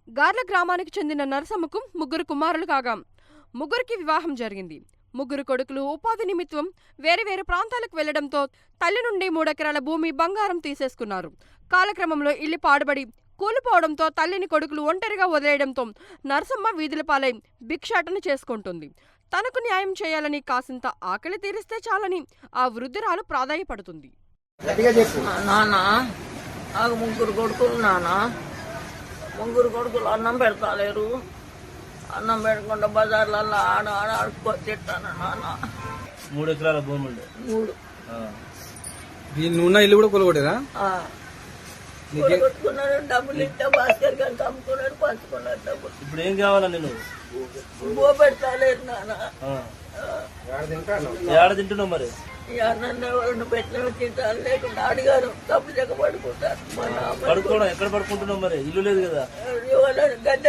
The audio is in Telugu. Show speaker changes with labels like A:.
A: గార్ల గ్రామానికి చెందిన నరసమ్మకు ముగ్గురు కుమారులు కాగా ముగ్గురికి వివాహం జరిగింది. ముగ్గురు కొడుకులు ఉపాధి నిమిత్తం వేరే వేరే ప్రాంతాలకు వెళ్లడంతో తల్లి నుండి 3 ఎకరాల భూమి బంగారం తీసేసుకున్నారు. కాలక్రమంలో ఇల్లు పాడుబడి కూలిపోవడంతో తల్లిని కొడుకులు ఒంటరిగా వదిలేయడంతో నరసమ్మ వీధుల పాలై భిక్షాటన చేసుకుంటుంది. తనకు న్యాయం చేయాలని, కాసింత ఆకలి తీరిస్తే చాలని ఆ వృద్ధురాలు ప్రాధాయపడుతుంది.
B: నాన్న నాకు ముగ్గురు కొడుకులు. ముగ్గురు కొడుకులు అన్నం పెడతాలేరు. అన్నం పెట్టకుండా బజార్లలో ఆడుకొని తిట్టాను నాన్న.
C: 3 ఎకరాల భూమి ఉండే.
B: 3
D: నువ్వున్న ఇల్లు కూడా కొలగొట్టేదా?
B: కొట్టుకున్నారు. డబ్బులు ఇస్తే భాస్కర్ గారికి అమ్ముకున్నారు, పంచుకున్నారు డబ్బులు.
C: ఇప్పుడు ఏం కావాలా నేను?
B: బో పెడతాలేరు నాన్న.
C: ఏడ తింటున్నావు మరి?
B: ఈ అన్నం ఎవరిని పెట్టిన తింటారు, లేకుండా అడిగారు డబ్బులు చెక్క పడుకుంటారు.
C: పడుకోవడం ఎక్కడ పడుకుంటున్నావు మరి? ఇల్లు లేదు కదా?
B: గద్దె